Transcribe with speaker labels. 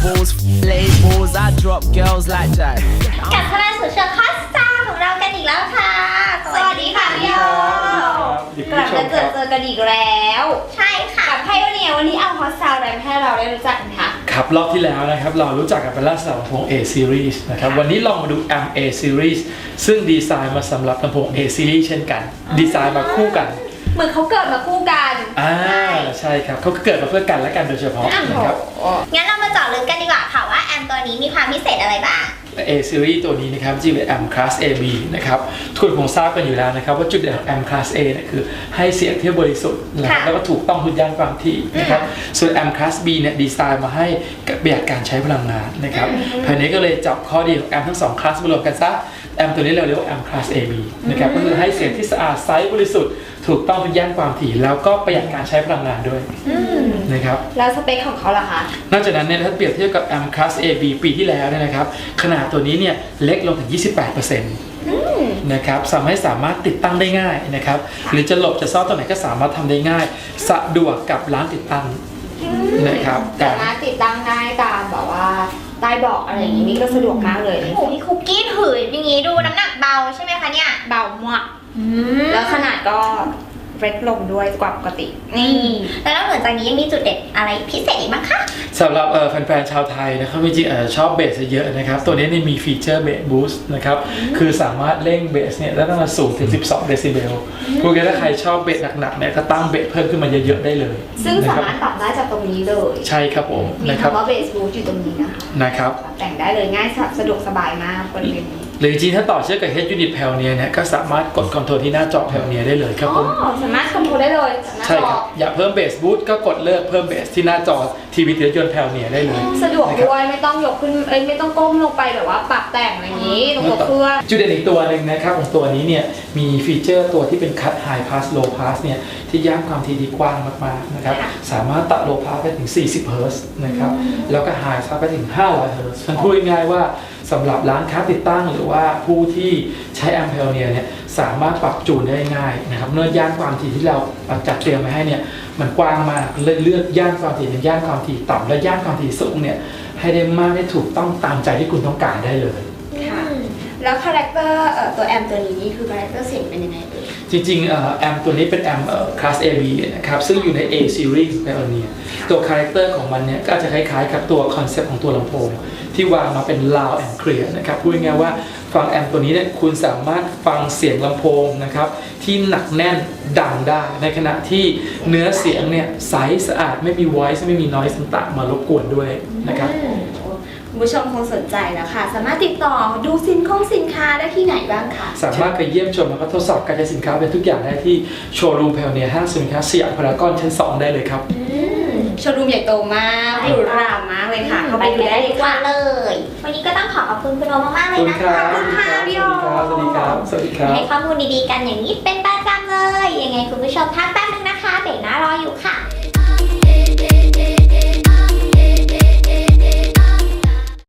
Speaker 1: labels, labels. I drop girls like that.
Speaker 2: กลับเข้ามาสู่ช่วงคอสตาของเรากันอีกแล้วค่ะ สวัสดีค่ะพี่โยกลับมาเจอกันอีกแล้ว ใช่ค่ะกับไพ่วันนี้เอาคอสตาอะไรมาให้เราได้รู้จักกันคะ
Speaker 3: ครับรอบที่แล้วนะครับเรารู้จักกันเป็นลักษณะลำโพง A series นะครับวันนี้ลองมาดู Amp A series ซึ่งดีไซน์มาสำหรับลำโพง A series เช่นกันดีไซน์มาคู่กัน
Speaker 2: เหมือนเขาเกิดมาคู่กัน
Speaker 3: ใช่ครับเขาเกิดมาเพื่อกันและกันโดยเฉพาะนะครับ
Speaker 2: งั้นเรามาเจาะลึกกันดีกว่าค่ะว่าแอมตัวนี้มีความพิเศษอะไรบ้าง
Speaker 3: A series ตัวนี้นะครับจริงเป็น Amp Class AB นะครับทุกคนคงทราบกันอยู่แล้วนะครับว่าจุดเด่นของ Amp Class A เนี่ยคือให้เสียงที่บริสุทธิ์แล้วก็ถูกต้องทุกย่านความถี่นะครับส่วน Amp Class B เนี่ยดีไซน์มาให้ประหยัดการใช้พลังงานนะครับภายในก็เลยจับข้อดีของ Amp ทั้ง2 Class มารวมกันซะ Amp ตัวนี้เราเรียกว่า Amp Class AB นะครับก็คือให้เสียงที่สะอาดใสบริสุทธิ์ถูกต้องทุกย่านความถี่แล้วก็ประหยัดการใช้พลังงานด้วยนะครับ
Speaker 2: แล้วสเปคของเขาล่ะคะ
Speaker 3: นอกจากนั้นเนี่ยถ้าเปรียบเทียบกับ Amp Class AB ปีที่แล้วเนี่ยนะครับขนาดตัวนี้เนี่ยเล็กลงถึง 28%นะครับสามารถติดตั้งได้ง่ายนะครับหรือจะหลบจะซ่อนตรงไหนก็สามารถทำได้ง่ายสะดวกกับร้านติดตั้งนะครับ
Speaker 2: สามารถติดตั้งได้ตามแบบว่าใต้เบาะอะไรอย่างนี้ก็สะดวกมากเลยโอ้พี่คุกกี้ถืออย่างนี้ดูน้ำหนักเบาใช่ไหมคะเนี่ยเบามากแล้วขนาดก็เล็กลงด้วยกว่าปกตินี่แล้วนอกจากนี้ยังมีจุดเด่นอะไรพิเศษอีกบ้างคะ
Speaker 3: สำหรับแฟนๆชาวไทยนะครับจริงๆชอบเบสเยอะนะครับตัวนี้มีฟีเจอร์เบสบูสต์นะครับคือสามารถเร่งเบสเนี่ยได้ตั้งแต่สูงถึง12เดซิเบลพวกนี้ถ้าใครชอบเบสหนักๆเนี่ยก็ตั้งเบสเพิ่มขึ้นมาเยอะๆได้เลย
Speaker 2: ซึ่งสามารถปรับได้จากตรงนี้เลย
Speaker 3: ใช่ครับผม
Speaker 2: มีคำว่าเบสบูสต์อยู่ตรงนี้
Speaker 3: นะครับ
Speaker 2: แต่งได้เลยง่ายสะดวกสบายมากบริเวณนี้
Speaker 3: หรือจริงถ้าต่อเชื่อมกับ Head Unit Pioneer เนี่ยก็สามารถกดคอนโทรลที่หน้าจอ Pioneer ได้เลยครับผม
Speaker 2: สามารถคอนโทรลได้เลย
Speaker 3: ใช่ครับอยากเพิ่มเบสบูสต์ก็กดเลือกเพิ่มเบสที่หน้าจอทีวีรถยนต์ Pioneer ได้เลย
Speaker 2: สะดวกด้วยไม่ต้องยกขึ้นไม่ต้องก้มลงไปแบบว่าปรับแต่งอะไรอย่างนี้ตรงตัวเครื่อง
Speaker 3: จุดเด่นอีกตัวหนึ่งนะครับของตัวนี้เนี่ยมีฟีเจอร์ตัวที่เป็น Cut High Pass Low Pass เนี่ยที่ย่านความถี่ที่กว้างมากๆนะครับสามารถตัด Low Pass ไปถึง40 เฮิร์ตซ์นะครับแล้วก็ High Pass ไปถึง500 เฮิร์ตซ์มันพูดง่ายๆว่าสำหรับร้านค้าติดตั้งหรือว่าผู้ที่ใช้ Amp Pioneer เนี่ยสามารถปรับจูนได้ง่ายนะครับเนื่องย่านความถี่ที่เราจัดเตรียมไว้ให้เนี่ยมันกว้างมากเลยเลือกย่านความถี่เป็นย่านความถี่ต่ำและย่านความถี่สูงเนี่ยให้ได้มากได้ถูกต้องตามใจที่คุณต้องการได้เลย
Speaker 2: ค่ะแล้วคาแรคเตอร์ตัวแอมตัวนี้คือคาแรคเตอร์เสียงเป็นยังไงเอ่ย
Speaker 3: จริงๆแอมตัวนี้เป็นแอมClass AB นะครับซึ่งอยู่ใน A Series Pioneer ตัวคาแรคเตอร์ของมันเนี่ยก็จะคล้ายๆกับตัวคอนเซ็ปต์ของตัวลำโพงที่วางมาเป็น loud and clear นะครับพูดง่ายๆว่าฟังแอมตัวนี้เนี่ยคุณสามารถฟังเสียงลำโพงนะครับที่หนักแน่นดังได้ในขณะที่เนื้อเสียงเนี่ยใสสะอาดไม่มี voice ไม่มี noise ต่างๆมารบกวนด้วยนะครับ
Speaker 2: คุณผู้ชมคงสนใจแล้วค่ะสามารถติดต่อดูสินค้าได้ที่ไหนบ้างคะ
Speaker 3: สามารถไปเยี่ยมชมแล้วก็ทดสอบการใช้สินค้าเป็นทุกอย่างได้ที่โชว์รูม Pioneer ห้างสินค้าสยามพารากอนชั้น 2ได้เลยครับ
Speaker 2: โชว์รูมใหญ่โตมากหรูหรามากเลยค่ะเข้าไปดูได้ดีกว่าเลยวันนี้ก็ต้องขอบคุณคุณโอมากๆเลยนะคะ
Speaker 3: ขอบคุณค่ะ
Speaker 2: พี่โอ
Speaker 3: สวัสดีครับสวัสดีครับ
Speaker 2: ให้ข้อมูลดีๆกันอย่างนี้เป็นประจำเลยยังไงคุณผู้ชมพักแป๊บนึงนะคะเบรกหน้ารออยู่ค่ะ